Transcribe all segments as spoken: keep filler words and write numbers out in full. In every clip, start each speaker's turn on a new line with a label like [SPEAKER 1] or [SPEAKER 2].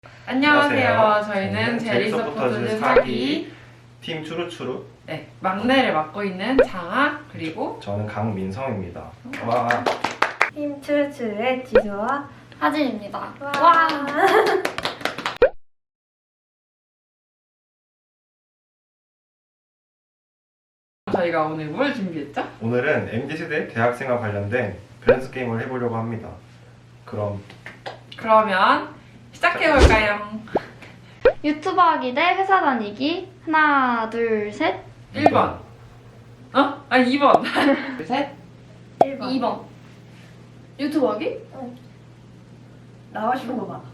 [SPEAKER 1] 안녕하세요.
[SPEAKER 2] 안녕하세요.
[SPEAKER 1] 저희는 제리서포터즈
[SPEAKER 2] 사기
[SPEAKER 1] 사기
[SPEAKER 2] 팀 추루추루.
[SPEAKER 1] 네, 막내를 맡고 있는 장아 그리고
[SPEAKER 2] 저는 강민성입니다. 와.
[SPEAKER 3] 팀 추르추르의 지수와
[SPEAKER 4] 하진입니다.
[SPEAKER 3] 와.
[SPEAKER 1] 저희가 오늘 뭘 준비했죠?
[SPEAKER 2] 오늘은 엠지세대 대학생과 관련된 밸런스 게임을 해보려고 합니다. 그럼
[SPEAKER 1] 그러면 시작해볼까요?
[SPEAKER 4] 유튜버 하기 대 회사 다니기. 하나, 둘, 셋.
[SPEAKER 1] 일 번 어? 아니 이 번 둘, 셋
[SPEAKER 3] 일 번.
[SPEAKER 4] 이 번. 유튜버 하기?
[SPEAKER 3] 나가고 싶은 거 봐.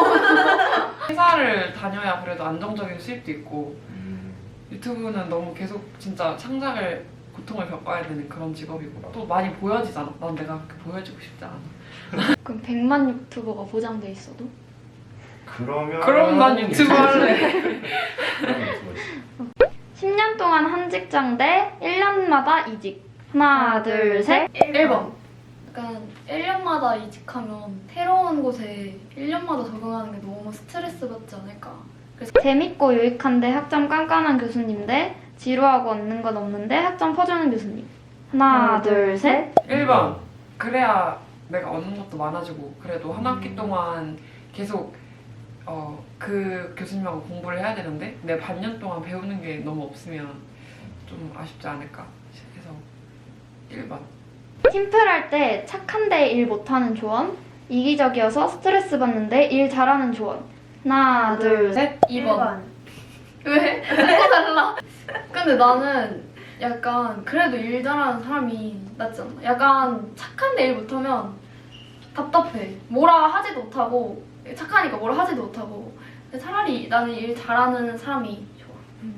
[SPEAKER 1] 회사를 다녀야 그래도 안정적인 수입도 있고
[SPEAKER 2] 음,
[SPEAKER 1] 유튜브는 너무 계속 진짜 창작을 고통을 겪어야 되는 그런 직업이고 또 많이 보여지잖아. 난 내가 그렇게 보여지고 싶지 않아.
[SPEAKER 4] 그럼 백만 유튜버가 보장돼 있어도?
[SPEAKER 2] 그러면
[SPEAKER 1] 그럼 난 유튜브 할래.
[SPEAKER 2] 그럼 유튜버지.
[SPEAKER 4] 십 년 동안 한 직장 대 일 년마다 이직. 하나, 둘, 셋.
[SPEAKER 3] 일 번.
[SPEAKER 5] 약간 일 년마다 이직하면 새로운 곳에 일 년마다 적응하는 게 너무 스트레스 받지 않을까.
[SPEAKER 4] 재밌고 유익한데 학점 깐깐한 교수님 대 지루하고 얻는 건 없는데 학점 퍼주는 교수님. 하나,
[SPEAKER 3] 하나,
[SPEAKER 4] 둘,
[SPEAKER 3] 둘,
[SPEAKER 4] 셋.
[SPEAKER 1] 일 번 그래야 내가 얻는 것도 많아지고 그래도 한 학기
[SPEAKER 2] 음.
[SPEAKER 1] 동안 계속 어, 그 교수님하고 공부를 해야 되는데 내 반년 동안 배우는 게 너무 없으면 좀 아쉽지 않을까 해서 일 번
[SPEAKER 4] 팀플할 때 착한데 일 못하는 조언. 이기적이어서 스트레스 받는데 일 잘하는 조언. 하나, 둘, 셋.
[SPEAKER 5] 이 번. 왜? 왜 달라? 근데 나는 약간 그래도 일 잘하는 사람이 낫지 않나? 약간 착한데 일 못하면 답답해. 뭐라 하지도 못하고 착하니까 뭐라 하지도 못하고. 근데 차라리 나는 일 잘하는 사람이 좋아.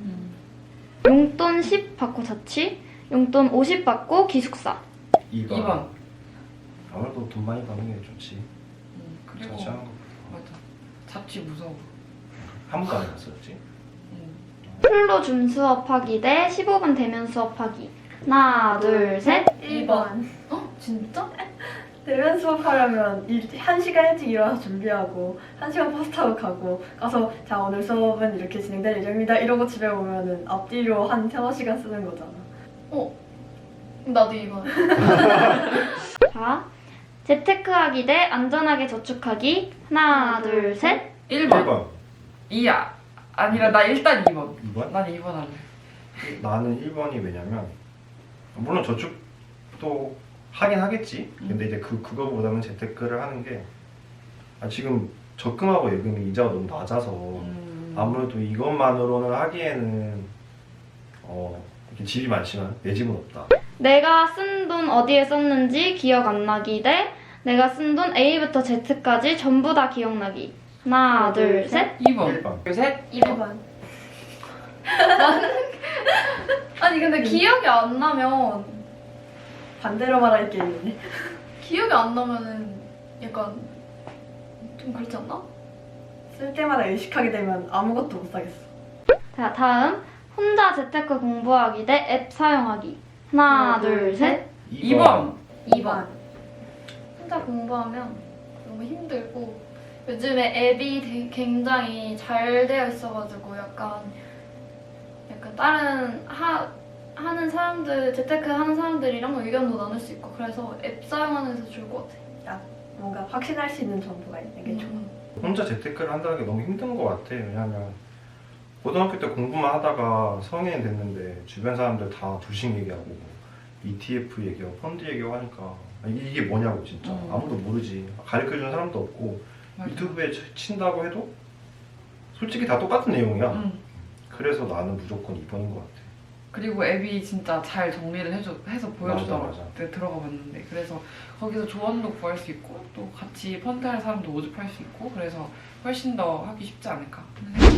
[SPEAKER 4] 용돈 십 받고 자취. 용돈 오십 받고 기숙사.
[SPEAKER 2] 이 번.
[SPEAKER 1] 이 번
[SPEAKER 2] 아무래도 돈 많이 버는 게 좋지.
[SPEAKER 1] 음, 그리고
[SPEAKER 2] 자취하는 거.
[SPEAKER 1] 맞아 잡지 무서워.
[SPEAKER 2] 한 번도 안 해봤었지.
[SPEAKER 1] 음.
[SPEAKER 4] 풀로 줌 수업하기 대 십오 분 대면 수업하기. 하나, 둘, 셋.
[SPEAKER 3] 일 번.
[SPEAKER 5] 어? 진짜?
[SPEAKER 3] 대면 수업하려면 일, 한 시간 일찍 일어나서 준비하고 한 시간 버스 타고 가고 가서 자 오늘 수업은 이렇게 진행될 예정입니다 이러고 집에 오면은 앞뒤로 한 서너 시간 쓰는 거잖아.
[SPEAKER 5] 어? 나도 이 번.
[SPEAKER 4] 자, 재테크하기 대 안전하게 저축하기. 하나, 둘, 셋.
[SPEAKER 1] 일
[SPEAKER 2] 일
[SPEAKER 1] 번
[SPEAKER 2] 번.
[SPEAKER 1] 이야 아니라 나 일단 이 번
[SPEAKER 2] 이 번?
[SPEAKER 1] 난 이 번 할래.
[SPEAKER 2] 나는 일 번이 왜냐면 물론 저축도 하긴 하겠지. 근데 이제 그 그거보다는 재테크를 하는 게 아, 지금 적금하고 예금이 이자가 너무 낮아서
[SPEAKER 1] 음.
[SPEAKER 2] 아무래도 이것만으로는 하기에는 어 이렇게 집이 많지만 내 집은 없다.
[SPEAKER 4] 내가 쓴 돈 어디에 썼는지 기억 안 나기 대 내가 쓴 돈 A부터 Z까지 전부 다 기억나기. 하나, 둘, 셋.
[SPEAKER 1] 이 번
[SPEAKER 2] 일 번.
[SPEAKER 1] 둘, 셋
[SPEAKER 5] 이
[SPEAKER 3] 일
[SPEAKER 5] 번.
[SPEAKER 3] 번.
[SPEAKER 5] 아니 근데 기억이 안 나면
[SPEAKER 3] 반대로 말할 게 있네.
[SPEAKER 5] 기억이 안 나면은 약간 좀 그렇지 않나?
[SPEAKER 3] 쓸 때마다 의식하게 되면 아무것도 못 사겠어.
[SPEAKER 4] 자, 다음. 혼자 재테크 공부하기 대 앱 사용하기. 하나,
[SPEAKER 3] 하나,
[SPEAKER 4] 둘,
[SPEAKER 3] 둘,
[SPEAKER 4] 셋.
[SPEAKER 1] 이 번
[SPEAKER 5] 이 번. 혼자 공부하면 너무 힘들고 요즘에 앱이 되게 굉장히 잘 되어 있어가지고 약간 약간 다른 하, 하는 사람들 재테크 하는 사람들이랑 의견도 나눌 수 있고 그래서 앱 사용하는 데 좋을 것 같아.
[SPEAKER 3] 뭔가 확신할 수 있는 정보가 있는 게 좋아.
[SPEAKER 5] 음.
[SPEAKER 2] 혼자 재테크를 한다는 게 너무 힘든 것 같아. 왜냐면 고등학교 때 공부만 하다가 성인이 됐는데 주변 사람들 다 주식 얘기하고 이티에프 얘기하고 펀드 얘기하고 하니까 이- 이게 뭐냐고 진짜
[SPEAKER 1] 음.
[SPEAKER 2] 아무도 모르지. 가르쳐주는 사람도 없고
[SPEAKER 1] 맞아.
[SPEAKER 2] 유튜브에 쳐- 친다고 해도 솔직히 다 똑같은 내용이야.
[SPEAKER 1] 음.
[SPEAKER 2] 그래서 나는 무조건 이 번인 것 같아.
[SPEAKER 1] 그리고 앱이 진짜 잘 정리를 해줘, 해서 보여주더라고.
[SPEAKER 2] 맞아, 맞아.
[SPEAKER 1] 그때 들어가 봤는데 그래서 거기서 조언도 구할 수 있고 또 같이 펀드 할 사람도 모집할 수 있고 그래서 훨씬 더 하기 쉽지 않을까 하는 생각이